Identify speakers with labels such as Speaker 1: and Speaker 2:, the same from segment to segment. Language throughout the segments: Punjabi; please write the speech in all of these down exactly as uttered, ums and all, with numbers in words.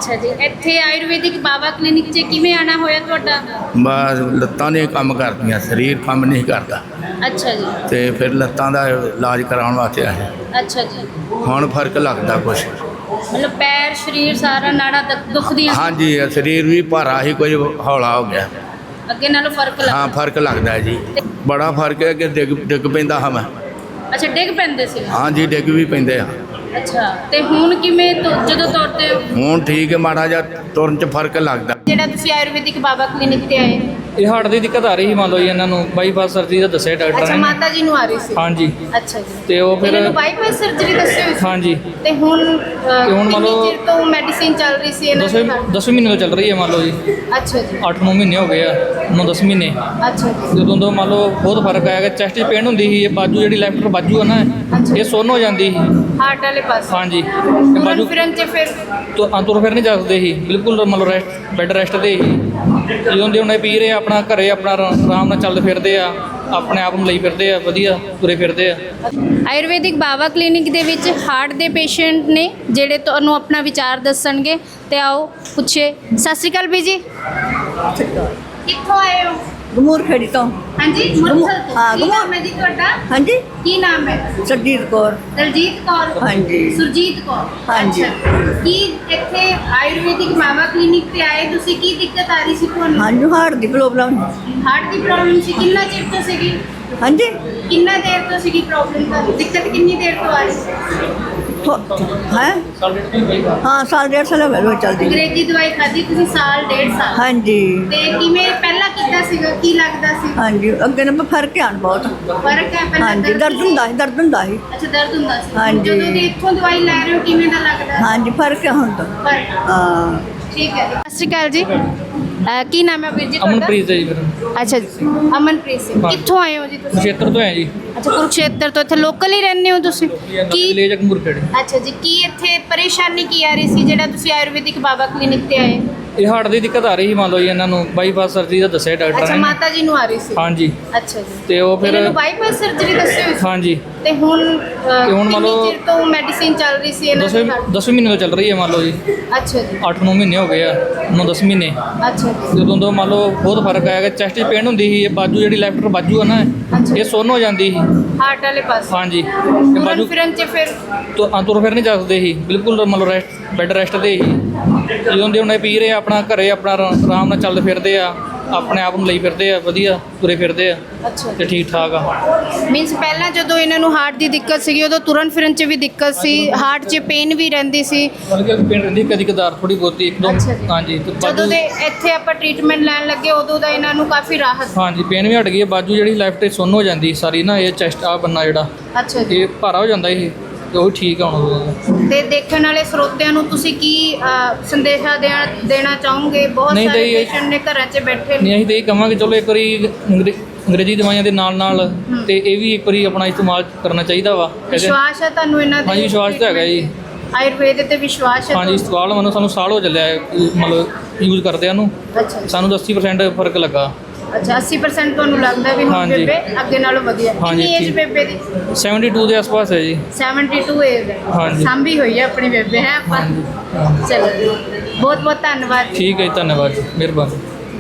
Speaker 1: अच्छा जी, ਇੱਥੇ ਆਯੁਰਵੈਦਿਕ ਬਾਬਾ ਕਲੀਨਿਕ 'ਚ ਕਿਵੇਂ ਆਣਾ ਹੋਇਆ ਤੁਹਾਡਾ?
Speaker 2: ਬਸ ਲੱਤਾਂ ਨੇ ਕੰਮ ਕਰਦੀਆਂ, ਸਰੀਰ ਕੰਮ ਨਹੀਂ ਕਰਦਾ
Speaker 1: ਅੱਛਾ ਜੀ।
Speaker 2: ਤੇ ਫਿਰ ਲੱਤਾਂ ਦਾ ਇਲਾਜ ਕਰਾਉਣ ਵਾਸਤੇ ਆਏ।
Speaker 1: ਅੱਛਾ ਜੀ,
Speaker 2: ਹੁਣ ਫਰਕ ਲੱਗਦਾ ਕੁਛ।
Speaker 1: ਮਤਲਬ ਪੈਰ ਸਰੀਰ ਸਾਰਾ ਨਾੜਾ ਦੁਖ- ਦੁਖਦੀਆਂ ਸੀ?
Speaker 2: ਹਾਂਜੀ ਸਰੀਰ ਵੀ ਭਾਰਾ ਹੀ, ਕੁਝ ਹੌਲਾ ਹੋ ਗਿਆ।
Speaker 1: ਅੱਗੇ ਨਾਲੋਂ ਫਰਕ ਲੱਗਾ?
Speaker 2: ਹਾਂ ਫਰਕ ਲੱਗਦਾ ਹੈ ਜੀ, ਬੜਾ ਫਰਕ ਹੈ ਕਿ ਡਿੱਗ ਡਿੱਗ ਪੈਂਦਾ ਹਾਂ ਮੈਂ।
Speaker 1: ਅੱਛਾ, ਡਿੱਗ ਪੈਂਦੇ ਸੀ?
Speaker 2: ਹਾਂਜੀ ਡਿੱਗ ਵੀ ਪੈਂਦੇ ਆ।
Speaker 1: ਅੱਛਾ, ਤੇ ਹੁਣ ਕਿਵੇਂ ਤੁ- ਜਦੋਂ ਤੁਰਦੇ ਹੋ?
Speaker 2: ਹੁਣ ਠੀਕ ਹੈ, ਮਾੜਾ ਜਿਹਾ ਤੁਰਨ 'ਚ ਫਰਕ ਲੱਗਦਾ।
Speaker 1: ਜਿਹੜਾ ਤੁਸੀਂ ਆਯੁਰਵੈਦਿਕ ਬਾਬਾ ਕਲੀਨਿਕ ਤੇ ਆਏ?
Speaker 3: ਇਹ ਹਾਰਟ ਦੀ ਦਿੱਕਤ ਆ ਰਹੀ ਸੀ, ਮੰਨ ਲਓ ਜੀ ਇਹਨਾਂ ਨੂੰ ਬਾਈਪਾਸ ਸਰਜਰੀ ਦਾ ਦੱਸਿਆ ਡਾਕਟਰ
Speaker 1: ਅੱਛਾ,
Speaker 3: ਨੇ।
Speaker 1: ਮਾਤਾ ਜੀ ਨੂੰ ਆ ਰਹੀ ਸੀ?
Speaker 3: ਹਾਂਜੀ।
Speaker 1: ਅੱਛਾ ਜੀ,
Speaker 3: ਤੇ ਉਹ ਫਿਰ
Speaker 1: ਇਹਨਾਂ ਨੂੰ ਬਾਈਪਾਸ ਸਰਜਰੀ ਦੱਸੀ ਹੋਈ ਸੀ?
Speaker 3: ਹਾਂਜੀ।
Speaker 1: ਤੇ ਹੁਣ ਅਹ,
Speaker 3: ਹੁਣ ਮੰਨ ਲਓ-
Speaker 1: ਕਿੰਨੀ ਚਿਰ ਤੋਂ ਮੈਡੀਸਿਨ ਚੱਲ ਰਹੀ ਸੀ ਇਹਨਾਂ
Speaker 3: ਦਸਵੇਂ
Speaker 1: ਦੀ?
Speaker 3: ਦਸਵੇਂ ਮਹੀਨੇ ਤੋਂ ਚੱਲ ਰਹੀ ਹੈ ਮੰਨ ਲਓ ਜੀ।
Speaker 1: ਅੱਛਾ ਜੀ।
Speaker 3: ਅੱਠ ਨੌ ਮਹੀਨੇ ਹੋ ਗਏ ਆ, ਨੌ ਦਸ ਮਹੀਨੇ।
Speaker 1: ਅੱਛਾ ਜੀ।
Speaker 3: ਜਦੋਂ ਤੋਂ ਮੰਨ ਲਓ ਬਹੁਤ ਫਰਕ ਆਇਆ ਕਿ ਚੈਸਟ 'ਚ ਪੇਨ ਹੁੰਦੀ ਸੀ, ਇਹ ਬਾਜੂ ਜਿਹੜੀ ਲੈਫਟ ਬਾਜੂ ਆ ਨਾ, ਇਹ ਸੁੰਨ ਹੋ ਜਾਂਦੀ ਸੀ।
Speaker 1: ਹਾਰਟ ਵਾਲੇ ਪਾਸੇ?
Speaker 3: ਹਾਂਜੀ। ਤੇ
Speaker 1: ਤੁਰਨ
Speaker 3: ਬਾਜੂ
Speaker 1: ਫਿਰਨ 'ਚ ਫਿਰ?
Speaker 3: ਤੋਂ ਤੁਰ ਫਿਰ ਨਹੀਂ ਸਕਦੇ ਸੀ ਬਿਲਕੁਲ, ਮੰਨ ਲਓ ਰੈਸਟ ਬੈੱਡ ਰੈਸਟ ਤੇ ਹੀ ਜਦੋਂ ਦੇ ਹੁਣ ਪੀ ਰਹੇ ਆ, ਆਪਣਾ ਘਰੇ ਆਪਣਾ ਆਰਾ- ਆਰਾਮ ਨਾਲ ਚੱਲਦੇ ਫਿਰਦੇ ਆ, ਆਪਣੇ ਆਪ ਨੂੰ ਲਈ ਫਿਰਦੇ ਆ, ਵਧੀਆ ਤੁਰੇ ਫਿਰਦੇ ਆ।
Speaker 1: ਆਯੁਰਵੈਦਿਕ ਬਾਬਾ ਕਲੀਨਿਕ ਦੇ ਵਿੱਚ ਹਾਰਟ ਦੇ ਪੇਸ਼ੈਂਟ ਨੇ ਜਿਹੜੇ ਤੁਹਾਨੂੰ ਆਪਣਾ ਵਿਚਾਰ ਦੱਸਣਗੇ, ਤੇ ਆਓ ਪੁੱਛੇ। ਸਤਿ ਸ਼੍ਰੀ ਅਕਾਲ ਬੀ ਜੀ, ਕਿੱਥੋਂ ਆਏ ਹੋ?
Speaker 4: ਗਮੂਰ ਖੇੜੀ ਤੋਂ।
Speaker 1: ਹਾਂਜੀ, ਮੁਰਸਲ ਤੋਂ।
Speaker 4: ਹਾਂ,
Speaker 1: ਕੀ
Speaker 4: ਗਮੂਰ।
Speaker 1: ਨਾਮ ਹੈ ਜੀ ਤੁਹਾਡਾ?
Speaker 4: ਹਾਂਜੀ,
Speaker 1: ਕੀ ਨਾਮ ਹੈ?
Speaker 4: ਸਰਜੀਤ ਕੌਰ।
Speaker 1: ਦਲਜੀਤ ਕੌਰ?
Speaker 4: ਹਾਂਜੀ।
Speaker 1: ਸੁਰਜੀਤ ਕੌਰ?
Speaker 4: ਹਾਂਜੀ।
Speaker 1: ਅੱਛਾ। ਕੀ ਇੱਥੇ ਆਯੁਰਵੈਦਿਕ ਬਾਬਾ ਕਲੀਨਿਕ ਤੇ ਆਏ ਤੁਸੀਂ? ਕੀ ਦਿੱਕਤ ਆ ਰਹੀ ਸੀ ਤੁਹਾਨੂੰ?
Speaker 4: ਹਾਂਜੀ, ਹਾਰਟ ਦੀ ਪ੍ਰੋਬਲਮ।
Speaker 1: ਹਾਰਟ ਦੀ ਪ੍ਰੋਬਲਮ ਸੀ? ਕਿੰਨਾ ਚਿਰ ਤੋਂ ਸੀਗੀ?
Speaker 4: ਹਾਂਜੀ,
Speaker 1: ਕਿੰਨਾ ਦੇਰ ਤੋਂ ਸੀਗੀ ਪ੍ਰੋਬਲਮ? ਤੁਹਾਨੂੰ ਦਿੱਕਤ ਕਿੰਨੀ ਦੇਰ ਤੋਂ ਆ ਰਹੀ ਸੀ?
Speaker 4: ਹੈ ਹਾਂ, ਸਾਲ ਡੇਢ ਸਾਲ ਹੋ ਗਏ ਰੋਜ਼ ਚੱਲਦੀ।
Speaker 1: ਅੰਗਰੇਜ਼ੀ ਦਵਾਈ ਖਾਧੀ ਤੁਸੀਂ ਸਾਲ ਡੇਢ ਸਾਲ?
Speaker 4: ਹਾਂਜੀ
Speaker 1: ਤੇ ਕਿਵੇਂ ਪਹਿਲਾਂ ਕੀਤਾ ਸੀਗਾ? ਕੀ ਲੱਗਦਾ ਸੀ?
Speaker 4: ਹਾਂਜੀ, ਅੱਗੇ ਨਾ ਫਰਕ ਆਣ ਬਹੁਤ।
Speaker 1: ਫਰਕ ਹੈ? ਪਹਿਲਾਂ
Speaker 4: ਹਾਂਜੀ, ਦਰਦ ਹੁੰਦਾ ਸੀ, ਦਰਦ ਹੁੰਦਾ ਸੀ।
Speaker 1: ਅੱਛਾ, ਦਰਦ ਹੁੰਦਾ ਸੀ?
Speaker 4: ਹਾਂਜੀ।
Speaker 1: ਜਦੋਂ ਦੇ ਇੱਥੋਂ ਦਵਾਈ ਲੈ ਰਹੇ ਹੋ ਕਿਵੇਂ ਦਾ ਲੱਗਦਾ?
Speaker 4: ਹਾਂਜੀ, ਫਰਕ ਆ ਹੁਣ ਤਾਂ।
Speaker 1: ਫਰਕ?
Speaker 4: ਹਾਂ।
Speaker 1: ਠੀਕ ਹੈ। ਸਤਿ ਸ਼੍ਰੀ ਅਕਾਲ ਜੀ, ਅਹ ਕੀ ਨਾਮ ਹੈ ਵੀਰ ਜੀ ਤੁਹਾਡਾ?
Speaker 3: ਅਮਨਪ੍ਰੀਤ ਹੈ ਜੀ ਫਿਰ।
Speaker 1: ਅੱਛਾ ਜੀ, ਅਮਨਪ੍ਰੀਤ ਸਿੰਘ।
Speaker 3: ਹਾਂ।
Speaker 1: ਕਿੱਥੋਂ ਆਏ ਹੋ ਜੀ ਤੁਸੀਂ?
Speaker 3: ਖੇਤਰ ਤੋਂ ਹੈ ਜੀ।
Speaker 1: ਅੱਛਾ, ਕੁਰੂਕਸ਼ੇਤਰ ਤੋਂ। ਇੱਥੇ ਲੋਕਲ ਹੀ ਰਹਿੰਦੇ ਹੋ ਤੁਸੀਂ? ਕੀ?
Speaker 3: ਲੈ ਜਾ ਗਮੂਰ ਖੇੜੀ।
Speaker 1: ਅੱਛਾ ਜੀ, ਕੀ ਇੱਥੇ ਪਰੇਸ਼ਾਨੀ ਕੀ ਆ ਰਹੀ ਸੀ ਜਿਹੜਾ ਤੁਸੀਂ ਆਯੁਰਵੈਦਿਕ ਬਾਬਾ ਕਲੀਨਿਕ ਤੇ ਆਏ?
Speaker 3: ਇਹ ਹਾਰਟ ਦੀ ਦਿੱਕਤ ਆ ਰਹੀ ਸੀ, ਮੰਨ ਲਓ ਜੀ ਇਹਨਾਂ ਨੂੰ ਬਾਈਪਾਸ ਸਰਜਰੀ ਦਾ ਦੱਸਿਆ ਡਾਕਟਰ
Speaker 1: ਅੱਛਾ,
Speaker 3: ਨੇ।
Speaker 1: ਮਾਤਾ ਜੀ ਨੂੰ ਆ ਰਹੀ ਸੀ?
Speaker 3: ਹਾਂਜੀ।
Speaker 1: ਅੱਛਾ ਜੀ।
Speaker 3: ਤੇ ਉਹ ਫਿਰ
Speaker 1: ਇਹਨਾਂ ਨੂੰ ਬਾਈਪਾਸ ਸਰਜਰੀ ਦੱਸੀ ਹੋਈ ਸੀ?
Speaker 3: ਹਾਂਜੀ।
Speaker 1: ਤੇ ਹੁਣ ਅਹ,
Speaker 3: ਤੇ ਹੁਣ ਮੰਨ
Speaker 1: ਕਿੰਨੀ
Speaker 3: ਲਓ-
Speaker 1: ਚਿਰ ਤੋਂ ਮੈਡੀਸਿਨ ਚੱਲ ਰਹੀ ਸੀ ਇਹਨਾਂ
Speaker 3: ਦਸਵੇਂ
Speaker 1: ਦੀ?
Speaker 3: ਦਸਵੇਂ ਮਹੀਨੇ ਤੋਂ ਚੱਲ ਰਹੀ ਹੈ ਮੰਨ ਲਓ ਜੀ।
Speaker 1: ਅੱਛਾ ਜੀ।
Speaker 3: ਅੱਠ ਨੌ ਮਹੀਨੇ ਹੋ ਗਏ ਆ, ਨੌ ਦਸ ਮਹੀਨੇ।
Speaker 1: ਅੱਛਾ ਜੀ।
Speaker 3: ਜਦੋਂ ਤੋਂ ਮੰਨ ਲਓ ਬਹੁਤ ਫਰਕ ਆਇਆ ਕਿ ਚੈਸਟ 'ਚ ਪੇਨ ਹੁੰਦੀ ਸੀ, ਇਹ ਬਾਜੂ ਜਿਹੜੀ ਲੈਫਟ ਬਾਜੂ ਆ ਨਾ, ਇਹ ਸੁੰਨ ਹੋ ਜਾਂਦੀ ਸੀ।
Speaker 1: ਹਾਰਟ ਵਾਲੇ ਪਾਸੇ?
Speaker 3: ਹਾਂਜੀ। ਤੇ
Speaker 1: ਤੁਰਨ
Speaker 3: ਬਾਜੂ
Speaker 1: ਫਿਰਨ 'ਚ ਫਿਰ?
Speaker 3: ਤੋਂ ਤੁਰ ਫਿਰ ਨਹੀਂ ਸਕਦੇ ਸੀ ਬਿਲਕੁਲ, ਮੰਨ ਲਓ ਰੈਸਟ ਬੈੱਡ ਰੈਸਟ ਤੇ ਹੀ ਜਦੋਂ ਦੇ ਹੁਣ ਪੀ ਰਹੇ ਆ, ਆਪਣਾ ਘਰੇ ਆਪਣਾ ਆਰਾ- ਆਰਾਮ ਨਾਲ ਚੱਲਦੇ ਫਿਰਦੇ ਆ, ਆਪਣੇ ਆਪ ਨੂੰ ਲਈ ਫਿਰਦੇ ਆ, ਵਧੀਆ ਤੁਰੇ ਫਿਰਦੇ ਆ,
Speaker 1: ਅੱਛਾ
Speaker 3: ਤੇ ਠੀਕ ਠਾਕ ਆ।
Speaker 1: ਮੀਨਸ ਪਹਿਲਾਂ ਜਦੋਂ ਇਹਨਾਂ ਨੂੰ ਹਾਰਟ ਦੀ ਦਿੱਕਤ ਸੀਗੀ ਉਦੋਂ ਤੁਰਨ ਫਿਰਨ 'ਚ ਵੀ ਦਿੱਕਤ ਸੀ, ਹਾਰਟ 'ਚ ਪੇਨ ਵੀ ਰਹਿੰਦੀ ਸੀ?
Speaker 3: ਬਲਕਿ ਪੇਨ ਰਹਿੰਦੀ ਕਦੀ ਕਦਾਰ ਥੋੜੀ ਬਹੁਤੀ ਇੱਕ ਦੋ।
Speaker 1: ਅੱਛਾ ਜੀ।
Speaker 3: ਹਾਂਜੀ। ਤੇ
Speaker 1: ਜਦੋਂ
Speaker 3: ਬਾਜੂ
Speaker 1: ਦੇ ਇੱਥੇ ਆਪਾਂ ਟ੍ਰੀਟਮੈਂਟ ਲੈਣ ਲੱਗੇ ਉਦੋਂ ਦਾ ਇਹਨਾਂ ਨੂੰ ਕਾਫੀ ਰਾਹਤ?
Speaker 3: ਹਾਂਜੀ, ਪੇਨ ਵੀ ਹਟ ਗਈ ਹੈ। ਬਾਜੂ ਜਿਹੜੀ ਲੈਫਟ ਤੇ ਸੁੰਨ ਹੋ ਜਾਂਦੀ ਸਾਰੀ ਨਾ, ਇਹ ਚੈਸਟ ਆ ਬੰਨਾ ਜਿਹੜਾ,
Speaker 1: ਅੱਛਾ ਜੀ।
Speaker 3: ਇਹ ਭਾਰਾ ਹੋ ਜਾਂਦਾ ਇਹ, ਤੇ ਉਹ ਠੀਕ ਆ ਹੁਣ।
Speaker 1: ਤੇ ਦੇਖਣ ਵਾਲੇ ਸਰੋਤਿਆਂ ਨੂੰ ਤੁਸੀਂ ਕੀ ਅਹ, ਸੰਦੇਸ਼ਾ ਦੇਣਾ ਦੇਣਾ ਚਾਹੋਗੇ? ਬਹੁਤ
Speaker 3: ਨਹੀਂ
Speaker 1: ਸਾਰੇ
Speaker 3: ਤਾਂ ਇਹ-
Speaker 1: ਪੇਸ਼ੈਂਟ ਨੇ ਘਰਾਂ 'ਚ ਬੈਠੇ
Speaker 3: ਨਹੀਂ,
Speaker 1: ਨੇ।
Speaker 3: ਅਸੀਂ ਤਾਂ ਇਹ ਕਹਾਂਗੇ ਚਲੋ ਇੱਕ ਵਾਰੀ ਅੰਗਰੇ- ਅੰਗਰੇਜ਼ੀ ਦਵਾਈਆਂ ਦੇ ਨਾਲ ਨਾਲ ਤੇ ਇਹ ਵੀ ਇੱਕ ਵਾਰੀ ਆਪਣਾ ਇਸਤੇਮਾਲ ਕਰਨਾ ਚਾਹੀਦਾ ਵਾ।
Speaker 1: ਵਿਸ਼ਵਾਸ ਹੈ ਤੁਹਾਨੂੰ ਇਹਨਾਂ ਦੇ?
Speaker 3: ਹਾਂਜੀ, ਵਿਸ਼ਵਾਸ ਤਾਂ ਹੈਗਾ ਜੀ।
Speaker 1: ਆਯੁਰਵੇਦ ਤੇ ਵਿਸ਼ਵਾਸ ਹੈ?
Speaker 3: ਹਾਂਜੀ, ਸਵਾਲ ਮੈਨੂੰ ਸਾਨੂੰ ਸਾਲ ਹੋ ਚੱਲਿਆ ਹੈ, ਮਤਲਬ ਯੂਜ਼ ਕਰਦਿਆਂ ਨੂੰ।
Speaker 1: ਅੱਛਾ ਜੀ।
Speaker 3: ਸਾਨੂੰ ਅੱਸੀ ਪਰਸੈਂਟ ਫਰਕ ਲੱਗਾ।
Speaker 1: ਅੱਛਾ, ਅੱਸੀ ਪਰਸੈਂਟ ਤੁਹਾਨੂੰ ਲੱਗਦਾ ਵੀ ਹੁਣ
Speaker 3: ਹਾਂਜੀ।
Speaker 1: ਬੇਬੇ ਅੱਗੇ ਨਾਲੋਂ ਵਧੀਆ?
Speaker 3: ਹਾਂਜੀ,
Speaker 1: ਕਿੰਨੀ ਏਜ
Speaker 3: ਠੀਕ।
Speaker 1: ਬੇਬੇ ਦੀ?
Speaker 3: ਬਹੱਤਰ ਦੇ ਆਸ-ਪਾਸ ਹੈ ਜੀ।
Speaker 1: ਬਹੱਤਰ ਏਜ ਹੈ?
Speaker 3: ਹਾਂਜੀ।
Speaker 1: ਸਾਂਭੀ ਹੋਈ ਹੈ ਆਪਣੀ ਬੇਬੇ, ਹੈ ਆਪਾਂ? ਚਲੋ, ਬਹੁਤ ਬਹੁਤ ਧੰਨਵਾਦ।
Speaker 3: ਠੀਕ ਹੈ ਜੀ, ਧੰਨਵਾਦ ਜੀ, ਮਿਹਰਬਾਨੀ।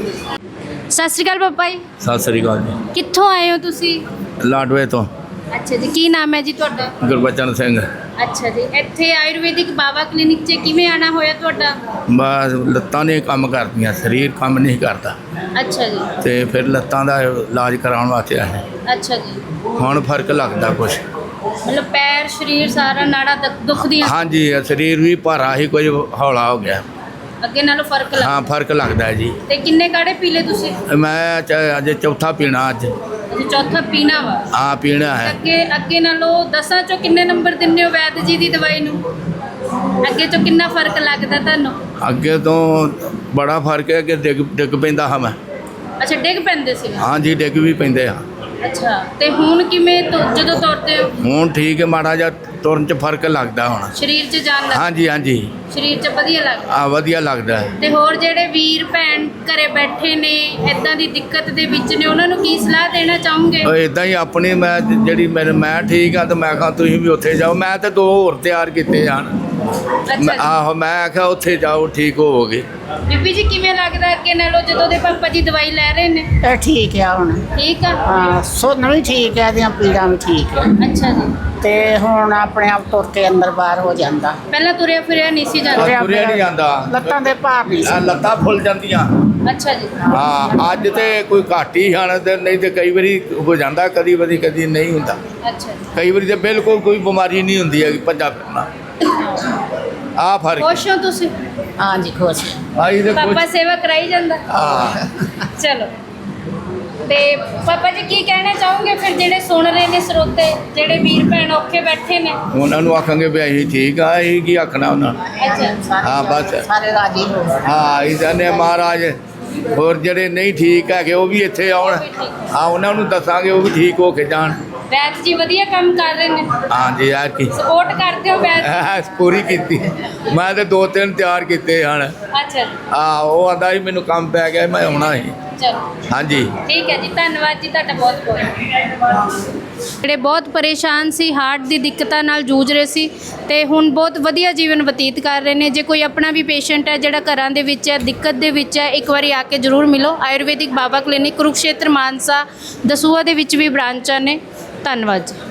Speaker 1: ਸਤਿ ਸ਼੍ਰੀ ਅਕਾਲ ਪਾਪਾ ਜੀ,
Speaker 2: ਸਤਿ ਸ੍ਰੀ ਅਕਾਲ ਜੀ।
Speaker 1: ਕਿੱਥੋਂ ਆਏ ਹੋ ਤੁਸੀਂ?
Speaker 2: ਲਾਡਵੇ ਤੋਂ
Speaker 1: ਅੱਛਾ ਜੀ, ਕੀ ਨਾਮ ਹੈ ਜੀ ਤੁਹਾਡਾ?
Speaker 2: ਗੁਰਬਚਨ ਸਿੰਘ।
Speaker 1: ਅੱਛਾ ਜੀ, ਇੱਥੇ ਆਯੁਰਵੈਦਿਕ ਬਾਬਾ ਕਲੀਨਿਕ 'ਚ ਕਿਵੇਂ ਆਣਾ ਹੋਇਆ ਤੁਹਾਡਾ?
Speaker 2: ਬਸ ਲੱਤਾਂ ਨੇ ਕੰਮ ਕਰਦੀਆਂ, ਸਰੀਰ ਕੰਮ ਨਹੀਂ ਕਰਦਾ
Speaker 1: ਅੱਛਾ ਜੀ।
Speaker 2: ਤੇ ਫਿਰ ਲੱਤਾਂ ਦਾ ਇਲਾਜ ਕਰਾਉਣ ਵਾਸਤੇ ਆਏ।
Speaker 1: ਅੱਛਾ ਜੀ,
Speaker 2: ਹੁਣ ਫਰਕ ਲੱਗਦਾ ਕੁਛ।
Speaker 1: ਮਤਲਬ ਪੈਰ ਸਰੀਰ ਸਾਰਾ ਨਾੜਾ ਦੁਖ- ਦੁਖਦੀਆਂ ਸੀ?
Speaker 2: ਹਾਂਜੀ ਸਰੀਰ ਵੀ ਭਾਰਾ ਹੀ, ਕੁਝ ਹੌਲਾ ਹੋ ਗਿਆ।
Speaker 1: ਅੱਗੇ ਨਾਲੋਂ ਫਰਕ
Speaker 2: ਹਾਂ
Speaker 1: ਲੱਗਾ?
Speaker 2: ਫਰਕ ਲੱਗਦਾ ਹੈ ਜੀ।
Speaker 1: ਤੇ ਕਿੰਨੇ ਕਾੜੇ ਪੀ ਲਏ ਤੁਸੀਂ?
Speaker 2: ਮੈਂ ਚ- ਅੱਜ ਚੌਥਾ ਪੀਣਾ ਅੱਜ।
Speaker 1: ਅੱਛਾ, ਚੌਥਾ ਪੀਣਾ ਵਾ?
Speaker 2: ਹਾਂ ਪੀਣਾ ਹੈ।
Speaker 1: ਅੱਗੇ ਅੱਗੇ ਨਾਲੋਂ ਦਸਾਂ ਚੋਂ ਕਿੰਨੇ ਨੰਬਰ ਦਿੰਦੇ ਹੋ ਵੈਦ ਜੀ ਦੀ ਦਵਾਈ ਨੂੰ? ਅੱਗੇ ਤੋਂ ਕਿੰਨਾ ਫਰਕ ਲੱਗਦਾ ਤੁਹਾਨੂੰ?
Speaker 2: ਅੱਗੇ ਤੋਂ ਬੜਾ ਫਰਕ ਹੈ ਕਿ ਡਿੱਗ ਡਿੱਗ ਪੈਂਦਾ ਹਾਂ ਮੈਂ।
Speaker 1: ਅੱਛਾ, ਡਿੱਗ ਪੈਂਦੇ ਸੀ?
Speaker 2: ਹਾਂਜੀ ਡਿੱਗ ਵੀ ਪੈਂਦੇ ਆ।
Speaker 1: ਅੱਛਾ, ਤੇ ਹੁਣ ਕਿਵੇਂ ਤੁ- ਜਦੋਂ ਤੁਰਦੇ ਹੋ?
Speaker 2: ਹੁਣ ਠੀਕ ਹੈ, ਮਾੜਾ ਜਿਹਾ ਤੁਰਨ 'ਚ ਫਰਕ ਲੱਗਦਾ ਹੁਣ।
Speaker 1: ਸਰੀਰ 'ਚ ਜਾਨ ਲੱਗ?
Speaker 2: ਹਾਂਜੀ ਹਾਂਜੀ
Speaker 1: ਸਰੀਰ 'ਚ ਵਧੀਆ ਲੱਗਦਾ?
Speaker 2: ਆ ਵਧੀਆ ਲੱਗਦਾ ਹੈ।
Speaker 1: ਤੇ ਹੋਰ ਜਿਹੜੇ ਵੀਰ ਭੈਣ ਘਰੇ ਬੈਠੇ ਨੇ ਇਦਾਂ ਦੀ ਦਿੱਕਤ ਦੇ ਵਿੱਚ ਨੇ ਉਹਨਾਂ ਨੂੰ ਕੀ ਸਲਾਹ ਦੇਣਾ ਚਾਹੋਗੇ?
Speaker 2: ਉਹ ਇਦਾਂ ਹੀ ਆਪਣੀ ਮੈਂ ਜਿਹੜੀ ਮੇਰੇ ਮੈਂ ਠੀਕ ਆ ਤਾਂ ਮੈਂ ਕਹਾਂ ਤੁਸੀਂ ਵੀ ਉੱਥੇ ਜਾਓ। ਮੈਂ ਤਾਂ ਦੋ ਹੋਰ ਤਿਆਰ ਕੀਤੇ ਜਾਣ।
Speaker 1: ਅੱਛਾ
Speaker 2: ਮੈਂ-
Speaker 1: ਜੀ।
Speaker 2: ਆਹੋ ਮੈਂ ਆਖਿਆ ਉੱਥੇ ਜਾਓ ਠੀਕ ਹੋਵੋਗੇ।
Speaker 1: ਬੀਬੀ ਜੀ ਕਿਵੇਂ ਲੱਗਦਾ ਅੱਗੇ ਨਾਲੋਂ ਜਦੋਂ ਦੇ ਪਾਪਾ ਜੀ ਦਵਾਈ ਲੈ ਰਹੇ ਨੇ?
Speaker 5: ਇਹ ਠੀਕ ਆ ਹੁਣ।
Speaker 1: ਠੀਕ ਆ।
Speaker 5: ਹਾਂ, ਸੁਣਨ ਵੀ ਠੀਕ ਹੈ, ਇਹਦੀਆਂ ਪੀੜਾਂ ਵੀ ਠੀਕ ਹੈ
Speaker 1: ਅੱਛਾ ਜੀ।
Speaker 5: ਤੇ ਹੁਣ ਆਪਣੇ ਆਪ ਤੁਰ ਕੇ ਅੰਦਰ ਬਾਹਰ ਹੋ ਜਾਂਦਾ।
Speaker 1: ਪਹਿਲਾਂ ਤੁਰਿਆ ਫਿਰਿਆ ਨਹੀਂ ਸੀ ਜਾਂਦਾ।
Speaker 2: ਤੁਰਿਆ ਤੁਰਿਆ ਨਹੀਂ ਜਾਂਦਾ।
Speaker 5: ਲੱਤਾਂ ਦੇ ਭਾਰ ਨਹੀਂ
Speaker 2: ਆਹ
Speaker 5: ਸੀ।
Speaker 2: ਲੱਤਾਂ ਫੁੱਲ ਜਾਂਦੀਆਂ।
Speaker 1: ਅੱਛਾ ਜੀ।
Speaker 2: ਹਾਂ ਅੱਜ ਤੇ ਕੋਈ ਘੱਟ ਹੀ ਹਨ ਤੇ ਨਹੀਂ ਤੇ ਕਈ ਵਾਰੀ ਹੋ ਜਾਂਦਾ, ਕਦੀ ਵਾਰੀ ਕਦੀ ਨਹੀਂ ਹੁੰਦਾ।
Speaker 1: ਅੱਛਾ ਜੀ।
Speaker 2: ਕਈ ਵਾਰੀ ਤੇ ਬਿਲਕੁਲ ਕੋਈ ਬਿਮਾਰੀ ਨਹੀਂ ਹੁੰਦੀ ਹੈਗੀ ਭੱਜਾ ਫਿਰਨਾ। ਆ ਫਰਕ
Speaker 1: ਖੁਸ਼ ਹੋ ਤੁਸੀਂ?
Speaker 5: ਹਾਂਜੀ, ਖੁਸ਼ ਹਾਂ।
Speaker 2: ਆਈ ਤੇ
Speaker 1: ਪਾਪਾ
Speaker 2: ਕੁਛ
Speaker 1: ਸੇਵਾ ਕਰਾਈ ਜਾਂਦਾ।
Speaker 2: ਹਾਂ
Speaker 1: ਚਲੋ ਤੇ ਪਾਪਾ ਜੀ ਕੀ ਕਹਿਣਾ ਚਾਹੋਗੇ ਫਿਰ ਜਿਹੜੇ ਸੁਣ ਰਹੇ ਨੇ ਸਰੋਤੇ, ਜਿਹੜੇ ਵੀਰ ਭੈਣ ਔਖੇ ਬੈਠੇ ਨੇ?
Speaker 2: ਉਹਨਾਂ ਨੂੰ ਆਖਾਂਗੇ ਵੀ ਅਸੀਂ ਠੀਕ ਆ, ਅਸੀਂ ਕੀ ਆਖਣਾ ਉਹਨਾਂ ਨੂੰ।
Speaker 1: ਅੱਛਾ।
Speaker 5: ਸਾਰੇ
Speaker 2: ਹਾਂ, ਬਸ।
Speaker 5: ਸਾਰੇ ਰਾਜੀ ਹੋ ਗਏ।
Speaker 2: ਹਾਂ ਇਦਾਂ ਨੇ ਮਹਾਰਾਜ ਹੋਰ ਜਿਹੜੇ ਨਹੀਂ ਠੀਕ ਹੈਗੇ ਉਹ ਵੀ ਇੱਥੇ ਆਉਣ। ਹਾਂ ਉਹਨਾਂ ਨੂੰ ਦੱਸਾਂਗੇ ਉਹ ਵੀ ਠੀਕ ਹੋ ਕੇ ਜਾਣ।
Speaker 1: ਵੈਦ ਜੀ ਵਧੀਆ ਕੰਮ ਕਰ ਰਹੇ ਨੇ,
Speaker 2: ਹਾਂ ਜੀ ਆ ਕੀ
Speaker 1: ਸਪੋਰਟ ਕਰਦੇ ਹੋ ਵੈਦ?
Speaker 2: ਐ ਪੂਰੀ ਕੀਤੀ। ਮੈਂ ਤੇ ਦੋ ਤਿੰਨ ਤਿਆਰ ਕੀਤੇ ਹਨ।
Speaker 1: ਅੱਛਾ ਜੀ।
Speaker 2: ਆ ਉਹ ਆਂਦਾ ਸੀ ਮੈਨੂੰ ਕੰਮ ਪੈ ਗਿਆ ਮੈਂ ਆਉਣਾ ਸੀ।
Speaker 1: ਚਲੋ
Speaker 2: ਹਾਂਜੀ
Speaker 1: ਠੀਕ ਹੈ ਜੀ, ਧੰਨਵਾਦ ਜੀ ਤੁਹਾਡਾ ਬਹੁਤ ਬਹੁਤ। ਜਿਹੜੇ ਬਹੁਤ ਪਰੇਸ਼ਾਨ ਸੀ, ਹਾਰਟ ਦੀ ਦਿੱਕਤਾਂ ਨਾਲ ਜੂਝ ਰਹੇ ਸੀ ਤੇ ਹੁਣ ਬਹੁਤ ਵਧੀਆ ਜੀਵਨ ਬਤੀਤ ਕਰ ਰਹੇ ਨੇ। ਜੇ ਕੋਈ ਆਪਣਾ ਵੀ ਪੇਸ਼ੈਂਟ ਹੈ ਜਿਹੜਾ ਘਰਾਂ ਦੇ ਵਿੱਚ ਹੈ, ਦਿੱਕਤ ਦੇ ਵਿੱਚ ਹੈ, ਇੱਕ ਵਾਰੀ ਆ ਕੇ ਜ਼ਰੂਰ ਮਿਲੋ। ਆਯੁਰਵੈਦਿਕ ਬਾਬਾ ਕਲੀਨਿਕ ਕੁਰੂਕਸ਼ੇਤਰ ਮਾਨਸਾ ਦਸੂਹਾ ਦੇ ਵਿੱਚ ਵੀ ਬ੍ਰਾਂਚਾਂ ਨੇ। ਧੰਨਵਾਦ ਜੀ।